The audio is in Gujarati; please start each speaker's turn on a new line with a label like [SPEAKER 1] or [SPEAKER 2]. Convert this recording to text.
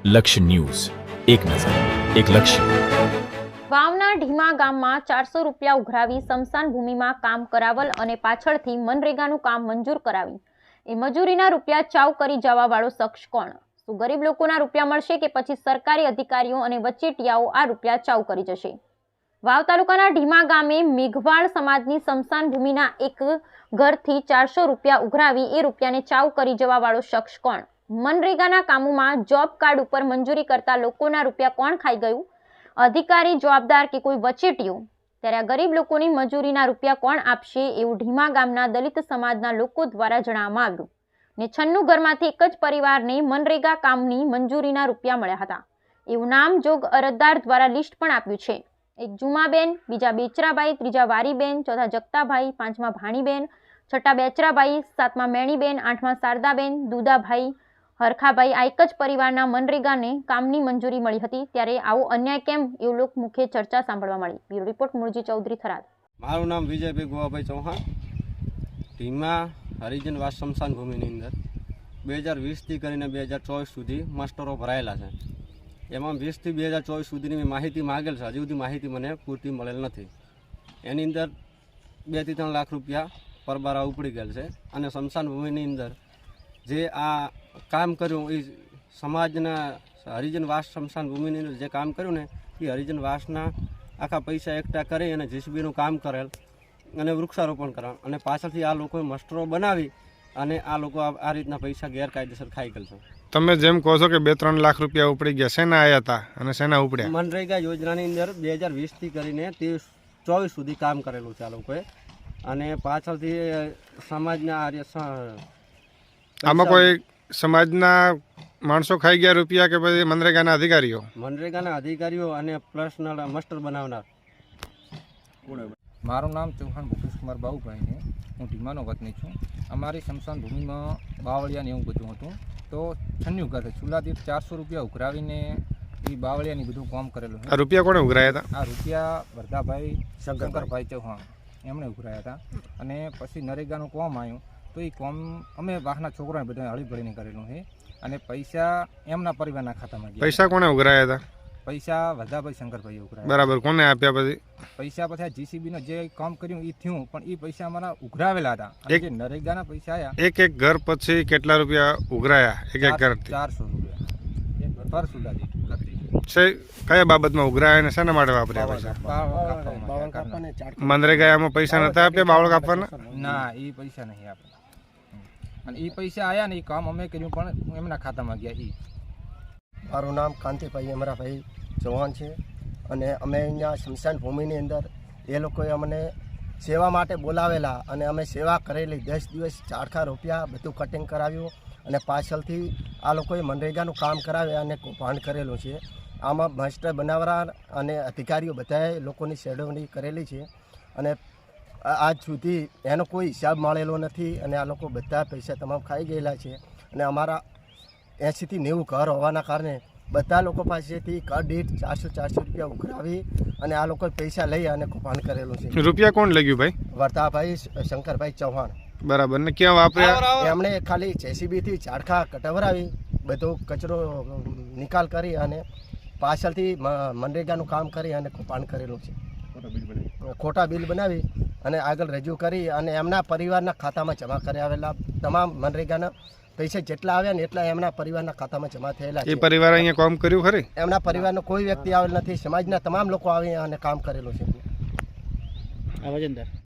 [SPEAKER 1] લક્ષ્ય ન્યૂઝ, એક નજર, એક લક્ષ્ય.
[SPEAKER 2] વાવના ઢીમા ગામમાં 400 રૂપિયા ઉઘરાવી સ્મશાન ભૂમિમાં કામ કરાવલ અને પાછળથી મનરેગાનું કામ મંજૂર કરાવી એ મજૂરીના રૂપિયા ચાવ કરી જવા વાળો શખ્સ કોણ? શું ગરીબ લોકોના રૂપિયા મળશે કે પછી સરકારી અધિકારીઓ અને વચેટિયાઓ આ રૂપિયા ચાવ કરી જશે? વાવ તાલુકાના ઢીમા ગામે મેઘવાળ સમાજની સ્મશાન ભૂમિના એક ઘરથી 400 રૂપિયા ઉઘરાવી એ રૂપિયાને ચાવ કરી જવા વાળો શખ્સ કોણ? મનરેગાના કામોમાં જોબ કાર્ડ ઉપર મંજૂરી કરતા લોકોના રૂપિયા કોણ ખાઈ ગયું? અધિકારી જવાબદાર કે કોઈ વચેટિયું? ત્યારે આ ગરીબ લોકોની મજૂરીના રૂપિયા કોણ આપશે એવું ઢીમા ગામના દલિત સમાજના લોકો દ્વારા જણાવવામાં આવ્યું ને 96 ઘરમાંથી એક જ પરિવારને મનરેગા કામની મંજૂરીના રૂપિયા મળ્યા હતા એવું નામજોગ અરજદાર દ્વારા લિસ્ટ પણ આપ્યું છે. એક જુમાબેન, બીજા બેચરાબાઈ, ત્રીજા વારીબેન, ચોથા જગતાભાઈ, પાંચમા ભાણીબેન, છઠ્ઠા બેચરાબાઈ, સાતમા મેણીબેન, આઠમા શારદાબેન, દુદાભાઈ, હરખાભાઈ આ એક જ પરિવારના મનરેગાને કામની મંજૂરી મળી હતી. ત્યારે આવો અન્યાય કેમ એવું લોકમુખે ચર્ચા સાંભળવા મળી. Bureau report Murji Chaudhari, Tharad.
[SPEAKER 3] મારું નામ વિજયભાઈ ગોવાભાઈ ચૌહાણ. ઢીમા હરિજન વાસ સ્મશાન ભૂમિની અંદર 2020થી કરીને 2024 સુધી માસ્ટરો ભરાયેલા છે. એમાં 20થી 2024 સુધીની મેં માહિતી માગેલ છે. હજી સુધી માહિતી મને પૂરતી મળેલ નથી. એની અંદર 2 થી 3 લાખ રૂપિયા પરબારા ઉપડી ગયેલ છે. અને સ્મશાન ભૂમિની અંદર જે આ કામ કર્યું એ સમાજના હરિજન વાસ સ્મશાન ભૂમિની અંદર જે કામ કર્યું ને એ હરિજન વાસના આખા પૈસા એકઠા કરી અને જીસીબીનું કામ કરેલ અને વૃક્ષારોપણ કરેલ અને પાછળથી આ લોકોએ મસ્ટરો બનાવી અને આ લોકો આ રીતના પૈસા ગેરકાયદેસર ખાઈ ગયેલ છે.
[SPEAKER 4] તમે જેમ કહો છો કે 2-3 લાખ રૂપિયા ઉપડી ગયા, શેના આવ્યા હતા અને શેના ઉપડ્યા?
[SPEAKER 3] મનરેગા યોજનાની અંદર 2020થી કરીને 23-24 સુધી કામ કરેલું છે આ લોકોએ. અને પાછળથી સમાજના
[SPEAKER 4] આમાં કોઈ સમાજના માણસો ખાઈ ગયા રૂપિયા કે પછી મનરેગાના અધિકારીઓ?
[SPEAKER 3] મનરેગાના અધિકારીઓ અને પર્સનલ મસ્ટર બનાવનાર.
[SPEAKER 5] મારું નામ ચૌહાણ ભૂપેશ કુમાર બાબુભાઈ છે. હું ઢીમાનો વતની છું. અમારી સ્મશાન ભૂમિમાં બાવળિયાને એવું બધું હતું તો 96 ઘર ચૂલા દીઠ 400 રૂપિયા ઉઘરાવીને એ બાવળિયાની બધું કામ કરેલું છે.
[SPEAKER 4] આ રૂપિયા કોણે ઉઘરાયા હતા?
[SPEAKER 5] આ રૂપિયા વરદાભાઈ શંકરભાઈ ચૌહાણ એમણે ઉઘરાયા હતા. અને પછી નરેગાનું કોમ આવ્યું તો એ કોમ અમે વાહના છોકરાને બધા હળીભળીને કરેલું છે. અને પૈસા એમના પરિવારના ખાતામાં ગયા.
[SPEAKER 4] પૈસા કોણે ઉઘરાયા હતા?
[SPEAKER 5] પૈસા વરદાભાઈ શંકરભાઈ ઉઘરાયા.
[SPEAKER 4] બરાબર. કોને આપ્યા પછી?
[SPEAKER 5] પૈસા પછી જીસીબીનો જે કામ કર્યું એ થયું પણ એ પૈસા અમારા ઉઘરાવેલા હતા. જે નરેગાના પૈસા આવ્યા
[SPEAKER 4] એક ઘર પછી કેટલા રૂપિયા ઉઘરાયા? એક ઘર
[SPEAKER 5] 400 રૂપિયા પર સુધા
[SPEAKER 4] કયા બાબતમાં ઉઘરાયા અને શેના માટે વાપર્યા પૈસા? મનરેગા એમાં પૈસા નતા આપ્યા બાવળ કાપવાના?
[SPEAKER 5] ના, એ પૈસા નહીં આપ્યા. અને એ પૈસા આવ્યા ને એ કામ અમે કર્યું પણ એમના ખાતામાં ગયા.
[SPEAKER 6] મારું નામ કાંતિભાઈ અમરાભાઈ ચૌહાણ છે. અને અમે અહીંયા સ્મશાન ભૂમિની અંદર એ લોકોએ અમને સેવા માટે બોલાવેલા અને અમે સેવા કરેલી. 10 દિવસ ચારખા રૂપિયા બધું કટિંગ કરાવ્યું અને પાછળથી આ લોકોએ મનરેગાનું કામ કરાવ્યા અને કૌભાંડ કરેલું છે. આમાં માસ્ટર બનાવરા અને અધિકારીઓ બધાએ લોકોની સેડવણી કરેલી છે અને આજ સુધી એનો કોઈ હિસાબ મળેલો નથી. અને આ લોકો બધા પૈસા તમામ ખાઈ ગયેલા છે. અને અમારા 80 થી 90 ઘર હોવાના કારણે બધા લોકો પાસેથી ઘર દીઠ 400 રૂપિયા ઉઘરાવી અને આ લોકોએ પૈસા લઈ અને કૌભાંડ કરેલું છે.
[SPEAKER 4] રૂપિયા કોણ લઈ ગયું ભાઈ?
[SPEAKER 6] વરદાભાઈ શંકરભાઈ ચૌહાણ.
[SPEAKER 4] બરાબર. ને ક્યાં વાપર્યા?
[SPEAKER 6] એમણે ખાલી જેસીબીથી ઝાડખા કટવરાવી બધો કચરો નિકાલ કરી અને પાછળથી મનરેગાનું કામ કરી અને કૌભાંડ કરેલું છે. ખોટા બિલ બનાવી અને આગળ રજૂ કરી અને એમના પરિવારના ખાતામાં જમા કરી આવેલા તમામ મનરેગાના પૈસા જેટલા આવ્યા ને એટલા એમના પરિવારના ખાતામાં જમા થયેલા છે.
[SPEAKER 4] એ પરિવાર અહીંયા કામ કર્યું ખરી?
[SPEAKER 6] એમના પરિવારનો કોઈ વ્યક્તિ આવેલ નથી. સમાજના તમામ લોકો આવી અને કામ કરેલું છે.